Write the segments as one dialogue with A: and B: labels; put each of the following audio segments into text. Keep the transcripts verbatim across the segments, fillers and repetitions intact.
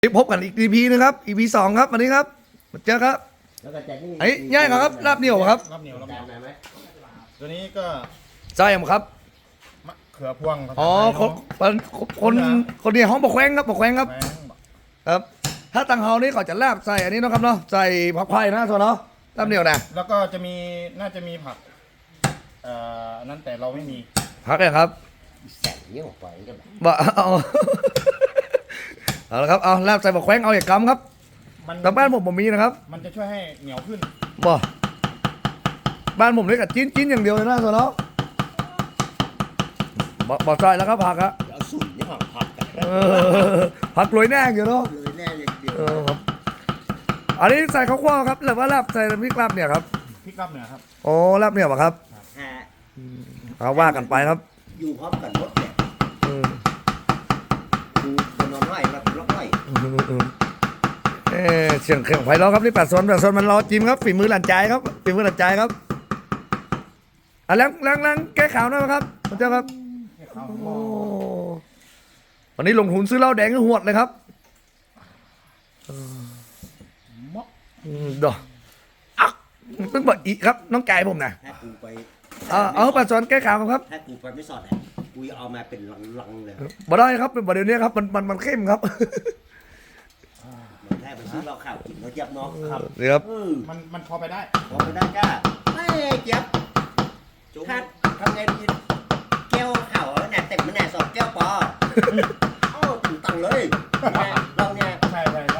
A: พบกันอีก อี พี นึงครับ อี พี สองครับวันนี้ครับมาเจอครับไอ้ย่ายครับลาบเหนียวครับ
B: ลาบเหนียวลาบเหนียวไหมตัวนี้ก็
A: ใช่ครับ
B: มะเขือพวง
A: อ๋อคนคนคนคนนี้ห้องบอกแข้งครับบอกแข้งครับ
B: แมง
A: ครับ ถ้าตังเฮานี่เขาจะลาบใส่อันนี้เนาะครับเนาะใส่ผักไผ่นะส่วนเนาะลาบเหนียวนะ
B: แล้วก็จะมีน่าจะมีผักเอ่อนั่นแต่เราไม่มี
A: ผักเลยครับ
C: แสงเยอะกว่านี้ก็แบบ
A: บ่เอาเอาละครับเอาลาบใส่บอกแข้งเอาอย่างกำครับ
B: มัน
A: แต่บ้านผมผมมีนะครับ
B: มันจะช่วยให้เหนียวขึ้น
A: บ่บ้านผมนี่กับจิ้นจิ้นอย่างเดียวเลยนะส่วนเนาะบ่บ่ใส่แล้วครับผักอะ
C: เอาสุ่นนี่ผักผักกัน
A: เออผักโรยแน่อยู่เนาะ
C: เลยแน่อย่างเดียว
A: เออครับอันนี้ใส่ข้าวคั่วครับหรือว่าลาบใส่พริกลาบเนี่ยครับ
B: พริกลาบเหนือครับ
A: โอ้ลาบเนี่ยเหรอครับ
C: ฮะ
A: เอาว่ากันไปครับ
C: อยู่พร้อมกันหมดเนี่ย
A: เออ
C: กูจะนอนไห้มาเป็นล็อกไห้
A: เออเสียงเครื่องไฟล้อครับนี่แปดโซนแปดโซนมันรอจิ้มครับฝีมือหลานใจครับฝีมือหลานใจครับอ่ะล้างล้างล้างแก้ข่าวหน่อยครับคุณเจ้าครับโอ้วันนี้ลงทุนซื้อเหล้าแดงให้หวดเลยครับ
B: มะ
A: อืมดอกอ่ะเพิ่งบอกอีกครับน้องไก่ผมนะ
C: ถ้ากูไป
A: เอาเอาแปดโซนแก้ข่าวครับ
C: ถ้ากูไปไม่สอดเนี่ยกูจะเอามาเป็นลังๆเลย
A: บ่ได้ครับเป็นประเด็นนี้ครับมันมันมันเข้มครับ
C: มันแทบไปซื้อเราข่าวกินแล้วยับเนาะ
B: ครับ
A: นี่ครับ
C: เออ
B: มันมันพอไปได้
C: พอไปได้จ้าไม่เจ็บถ้าทำไงดีแก้วข่าวแล้วเนี่ยเต็มมันแน่สอบแก้วปอเอ้าถึงตังเลยเนี่ยเราเนี่ย
B: ใช่ใช่ใช่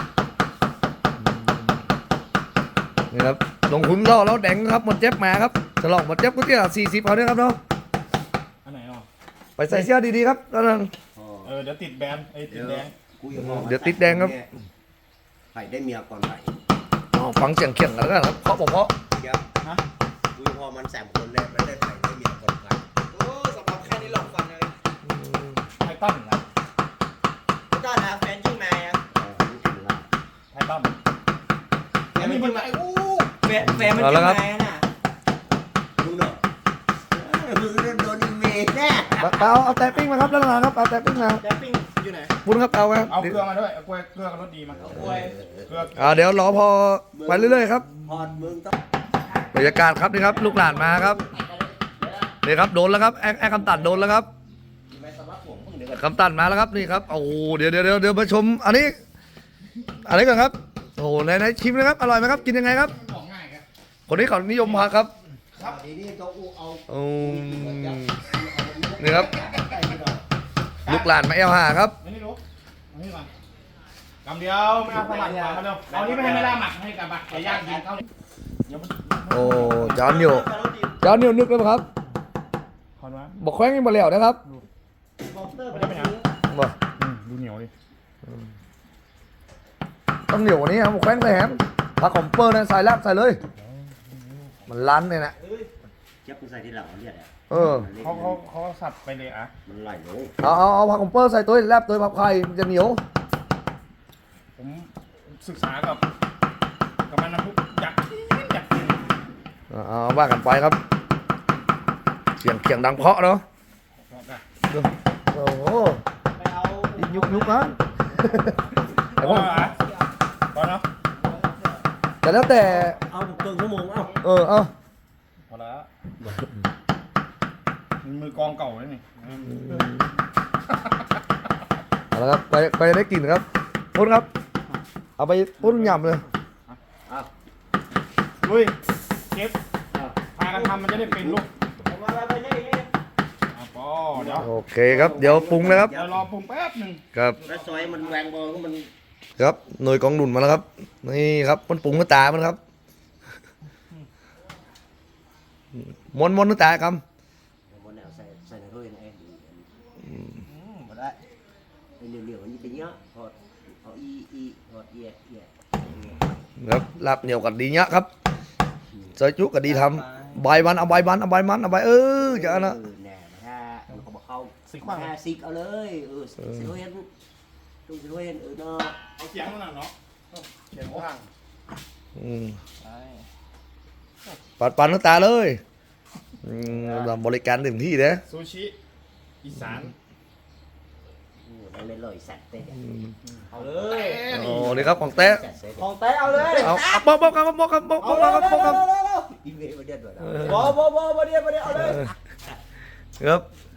A: นี่ครับลงทุนล่อแล้วแดงครับหมดเจ็บมาครับฉลองหมดเจ็บก็เที่ยวสี่สิบเอาเนี่ยครับเนาะ
B: อันไหนอ่ะ
A: ไปใส่เสื้อดีๆครับแล้วนั่น
C: อ๋อ
B: เออเดี๋ยวติดแบนไอ้ยติดแดง
C: กูยังมอง
A: เดี๋ยวติดแดงครับ
C: ไผ่ได้เมียก่อนไผ่
A: อ๋อฟังเสียงเขียงกันแล้วกันครับเพราะผมเพราะ
C: เดี๋ยว
B: ฮะ
C: กูพอมันแสมคนเลยไม่ได้ไผ่ได้เมียก่อนไผ่
D: โอ้สำหรับแค่นี้หลอกฟันเลย
B: ไททันนะ
D: ไม่ได้นะแฟนยิ่งมาอ่ะ
C: เอาผมถึงละ
B: ไททัน
D: แฟนมันยิ่งมาอู้แฟนแฟนมันยิ่งมาน่ะ
C: มึงเนาะเออมึงโดนอีเมลแน่
A: เอาเอาแต่ปิ้งมาครับแล้วนะครับเอาแต่ปิ้งมา
D: แดปปิ้งอยู่ไหน
A: บุญครับเอาครับ
B: เอาเกลือมาด้วยเอาเกลือเกลือกับรสดีมา
D: โอ้ย
B: เกลือ
A: อ่าเดี๋ยวรอพอไปเรื่อยๆครับ
C: พอดมึงต้อง
A: บรรยากาศครับนี่ครับลูกหลานมาครับนี่ครับโดนแล้วครับแอคแอคคำตัดโดนแล้วครับ
C: ไม่สำรับผมมึงเดี๋ยวก่อน
A: คำตัดมาแล้วครับนี่ครับโอ้โหเดี๋ยวเดี๋ยวเดี๋ยวเดี๋ยวมาชมอันนี้อันนี้ก่อนครับโอ้โหไหนไหนชิมนะครับอร่อยไหมครับกินยังไงครับ
B: บอกง่ายครับ
A: คนนี้เขานิยมมาครับ
C: ทีนี้ต้องเอา
A: อืมนี่ครับลูกหลานมาเอลหาครับ
B: นี่รู้เอานี่มากำเดียวไม่เอาสลัดมามาเร็วเอานี่ไม่ให้ไม่ได้หมักให้กับบักไก่ย่างกินเข้าเดี๋ยวมัน
A: โอ้จานเหนียวจานเหนียวนึกเลยครับ
B: ขอนว่า
A: บอกแข้งยังมาแล้วนะครับ
D: บอกเตอร์
B: มัน
D: ไป
B: จะเป็นยัง
A: บอก
B: อืมดูเหนียวดิ
A: ต้องเหนียวกว่านี้ครับบอกแข้งใส่แฮมผักขมเปอร์นะใส่ลาบใส่เลย มันล้านเลยนะ
C: เจ็บมึงใส่ที่หลังเนี่ยแหละ
A: เออ
B: เขาเขาเขาสับไปเลยอ่ะ
C: มันไหลลง
A: เอาเอาเอาผักขมเปอร์ใส่ตัวแลบตัวผักไผ่มันจะเหนียว
B: ผมศึกษากับกับมันนะพุกอยากกินอยากกิน
A: เอาเอาว่ากันไปครับ เสียงเขียงดังเพราะเนาะ
B: บอกอะ
A: โอ้โห
D: ไปเอา
A: ยุกยุกนะ แต่
B: แต่
A: ผม
B: ว่าพอเนาะ
A: แต่แล้วแต่
C: เอาเกินชั่วโมงเอ้า
A: เออเอา
B: พอแล้วมือกองเก่าเลยนี่
A: เอาละครับไปไปได้กลิ่นครับพ่นครับ เอาไปพ่นยำเลย
C: เอา
B: ลุยเก็บพากันทำมันจะได้เป็นลูก
D: เอามาไปเลย
B: อ่ะพอเดี๋ยว
A: โอเคครับ เดี๋ยวปรุงนะครับ
B: เดี๋ยวรอปรุงแป๊บหนึ่ง
A: ครับ
C: แล้วซอยมันแหวงบอลก็มัน
A: ครับหน่วยกองดุนมาแล้วครับ นี่ครับมันปรุงน้ำตามันครับมวนมวนน้ำตาครับ
C: มันเอาใส่ใส่ในถ้วยไงอืมมาได้ไอ้เหนียวๆนี่เป็นเยอะพอดเอาอีอีพอดเอียเอีย
A: ครับลาบเหนียวกับดีเนี้ยครับใส่จุกับดีทำใบมันเอาใบมันเอาใบมันเอาใบเออจะเอานะ
C: เออแน่ถ้ามันเขาบอกเข้า
B: สิขว้าง
C: ถ้าซิกเอาเลยเออสิโรเฮนตุ้งสิโรเฮนเออเนาะ
B: เอาเสียงมันหน่อยเนาะเสียงข้าง
A: อืมปัดปันน้ำตาเลยอืมเราบริการเต็มที่เด้อ
B: ซูชิอีสาน
C: มไม่เลยลอยสัตว์เต้
D: เอาเลย
A: โอ้นี่ครับของเต้
C: สัตว์เต้
D: ของเต้เอาเลย
A: เอาเอาบอกบอกครับบอกครับบอกบ
D: เอา
A: อก
D: เลย
A: ครับบอกครับ
C: อีเมลมาเดือดด้วย
A: เออ
D: บอบอบอบอเดียวบอเดียวเอาเลย
A: ครับ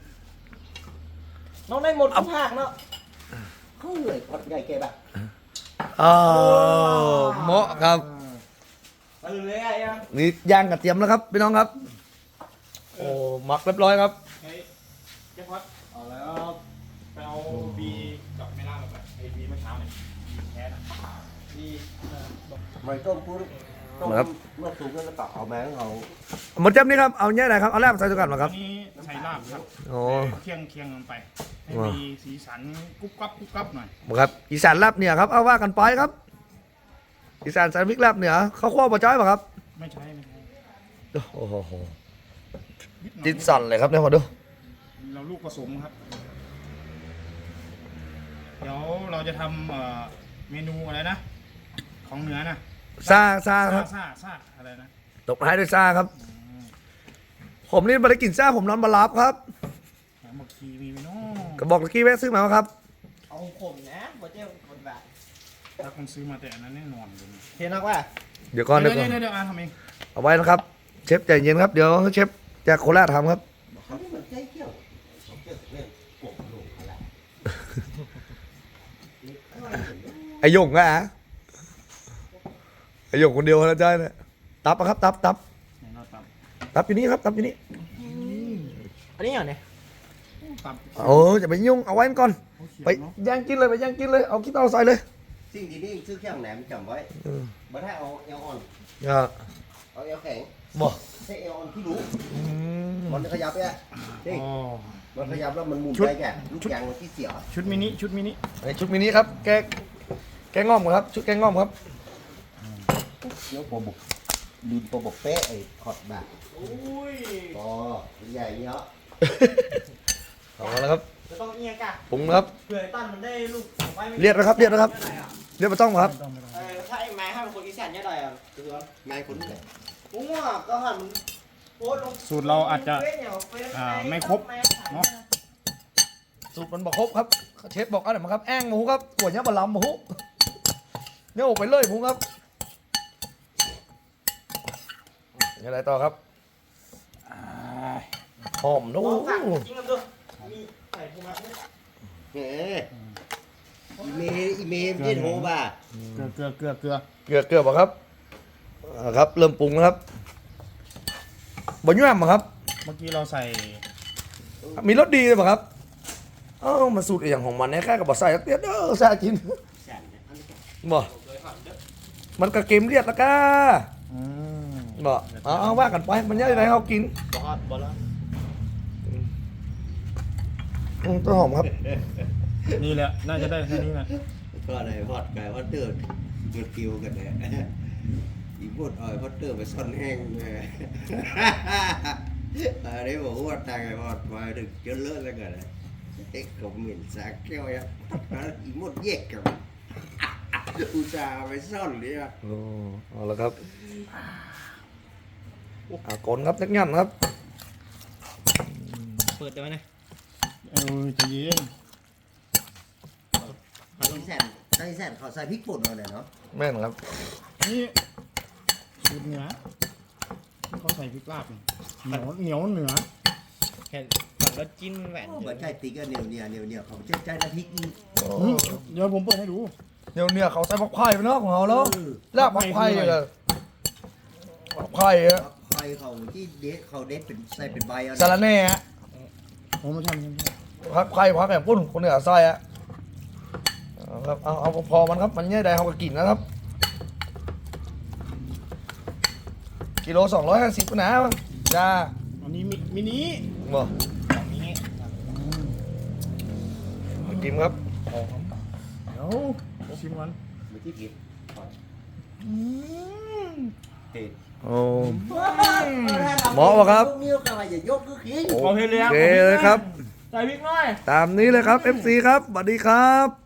D: น้องได้หมดทุกภาคเนาะ
C: เขาเลยพอดใหญ่เก็บอ่ะ
A: อ๋อเหมาะครับ
D: เอาเลยไอ้ยัง
A: นี่ย่างกระเทียมแล้วครับพี่น้องครับโอ้หมักเรียบร้อยครับ
B: เฮ้ยเจ๊พอดเอาแล้วไปเอาบีกับไม่ล่ามาไปไอ้บีเมื่อเช้าเนี่ยบีแคสอ่ะบีเออบอก
C: มันต้มปุ้นต้มเมื่อสูงแล้วก็เอาแมงเอา
A: หมดเจ็บนี่ครับเอาเนี่ยไหนครับเอาแรกใส่ตัวกันมาครับ
B: อันนี้ใช้ลาบครับ
A: โอ้
B: เคียงเคียงลงไปให้
A: ว้า
B: มีสีสันกุ๊บกับกุ๊บกับหน่อย
A: ครับอีสานลาบเหนือครับเอาว่ากันไปครับอีสานสารพริกลาบเหนือเขาคั่วปลาจ้อยป่ะครับ
B: ไม่ใช่ไม่ใช่
A: โอ้โห
B: นิดหน่อย
A: จิตสั่นเลยครับเนี่ยมาดู
B: เราลูกผสมครับ เดี๋ยวเราจะทำเอ่อเมนูอะไรนะ ของเหนือนะ
A: ซาซาค
B: ซา
A: รับ
B: ซาซาอะไรนะ
A: ตบท้ายด้วยซาครับ ผมนี่ไม่ได้กินซาผมนอนบาลับครับ
B: แหมบอกคีมีไหมเนาะ
A: กระบอกตะกี้แวะซื้อมาครับ
D: เอาผมนะบอเดียวคนแบบ
B: ถ้าคนซื้อมาแต่อันนั้นแน่นอนเลย
D: เห็นนักว่า
A: เดี๋ยวก่อน
B: เดี๋
A: เดี๋
B: ย
A: ยว วก่อน
B: เดี๋ยวเดี๋ยวอ่านทำเอง
A: เอาไว้นะครับ เชฟใจเย็นครับ เดี๋ยวเชฟจากโคราชทำครับ
C: เขาที่มันใจเกี่ยวเกี่ยวเรื่องกบลูกอะไร
A: ไอหยงอะไอหยงคนเดียวนะจ้าเนี่ยตับอะครับตับตับ
B: ไหนเราตับ
A: ตับอยู่นี่ครับตับอยู่นี่
D: อันนี้เหรอเนี่ย
B: ตับ
A: โอ้จะไปยุ่งเอาไว้ก่อน
B: เขาเขียน
A: ไป
B: เนาะ
A: ย่างกินเลยไปย่างกินเลยเอาขี้เตาใส่เลย
C: สิ่งที่นี่ซื้อเครื่องแหนมจำไว้
A: เออ
C: บ่ได้เอาเอลออน
A: อ่า
C: เอาเอลแข็ง
A: บอก
C: ใช้เอลออนที่รู้
A: อืม
C: มันจะขยับเนี่ยนี่
B: อ๋อ
C: มันขยับแล้วมันหมุน
B: ชุด
C: ได้แกลูกยางมันที่เสีย
B: ชุดมินิชุดมินิ
A: ไอชุดมินิครับแกแกงง่อมครับ ชุดแกงง่อมครับ
C: เดี๋ยวโปรบกดินโปรบกเป๊ะไอ้ขอดแบบ
D: อุ้ย
C: ปอใหญ่เนาะ
A: เอาละครับ
D: จะต้องเอียงกะ
A: ปรุงนะครับ
D: เผื่อไอ้ตั้นมันได้ลูกของไว้ไม่
A: เรียกนะครับเรียกนะครับ เรียกมาต้องครับ
B: ไม่ต้องไม่ต้อง
D: เออถ้าไอ้ไม้ห้ามคนอีสานเนี่ยได้อ่ะคือว่า
C: นายคนไหน
D: ผมว่าก็หันโพสต์ลง
B: สูตรเราอาจจะ
D: เฟซเนี่ยเฟซ
B: อ่าไม่ครบเนาะ
A: สูตรมันบอกครบครับเชฟบอกอะไรมาครับแอ้งหมูครับขวดเนี้ยบะลำหมูเนี่ยออกไปเลยหมูครับยังไงต่อครับหอมนู้
D: ลองสั่งจริงกันดูมีใส่ภูมิเนี่ย
C: เฮ้อีเมลอีเมลที่โทรบ่า
B: เกลือเกลือเกลือเกลือ
A: เกลือเกลือป่ะครับอ่าครับเริ่มปรุงนะครับบะยุ่มป่ะครับ
B: เมื่อกี้เราใส่
A: มีรสดีเลยป่ะครับเอ้ามาสูตรอย่างของมันเนี่ยแค่กับบะใส่เตี้ยเด้อใส่กิน
C: แสนเนี่ยอันนี้
A: บ่มันกระเกมเลียดละก้า
B: อืม
A: บ่เอาเอาว่ากันไปมันยังไงเขากิน
D: บอสบอสแล้ว
A: อืมต้นหอมครับ
B: นี่แหละน่าจะได้แค่นี้แหละ
C: ก็อะไรพอดไก่พอดเตอร์มันกิวกันเลยอีบดอ่อยพอดเตอร์ไปซ่อนแห้งเลยอันนี้บอกว่าตายไงพอดมาถึงเจอเลิศแล้วกันเอ็กกับเหม็นสาแก้วยักอีหมดแยกกันอุตส่าห์ไปซ่อนเลยอ่ะ
A: โอ้เอาละครับอ่ากลครับนักยันครับ
D: เปิดได้ไหมเนี่ย
B: เออใจะเย็น
C: ตอนนี้แสนตอนนี้แสนเขาใส่พริกป่นมาเลยเนาะ
A: แม่นครับ
B: นี่สูตรเหนือที่เขาใส่พริกลาบนี่เหนียวเหนียวเหนือ
D: เห็นฝั่งรถจิ้นแหวน
C: เหมือนใช่ติ๊กก็เหนียวเหนียวเหนียวเหนียวเขาเชื่อใจน้ำพริกอีก
B: อืมเดี๋ยวผมเปิดให้ดู
A: เดี๋ยวเนี่ยเขาใส่ผักไผ่ไปเนาะของเขาแล้วลาบผักไผ่เลยผักไผ่อะ
C: ใครเขาที่เด็ดเขาเด็ดเป็นใส่เป็นใบเอา
A: สาระแหน่อะ
B: โอ้ไม่ใช่ไม่ใช่ไม่ใช่
A: ผักไผ่ผักแกงปุ้นคนเหนือซอยอะเอาครับเอาเอาพอมันครับมันเนี่ยได้เขาก็กินนะครับกิโลสองร้อยห้าสิบนะจ้า
B: อันนี้มิมินิ
A: บ่
B: แบบนี้
A: กินครับ
B: เดี๋ยวชิมกัน
C: มือที่ผิด
B: อืม
C: ติด
A: โอ้หมอบอกครับ
C: นิ้วกระไรอย่ายกก็ขี้
B: โอเคเลย
A: โอเคเลยครับ
B: ใส่พริกหน่อย
A: ตามนี้เลยครับ เอฟ ซี ครับสวัสดีครับ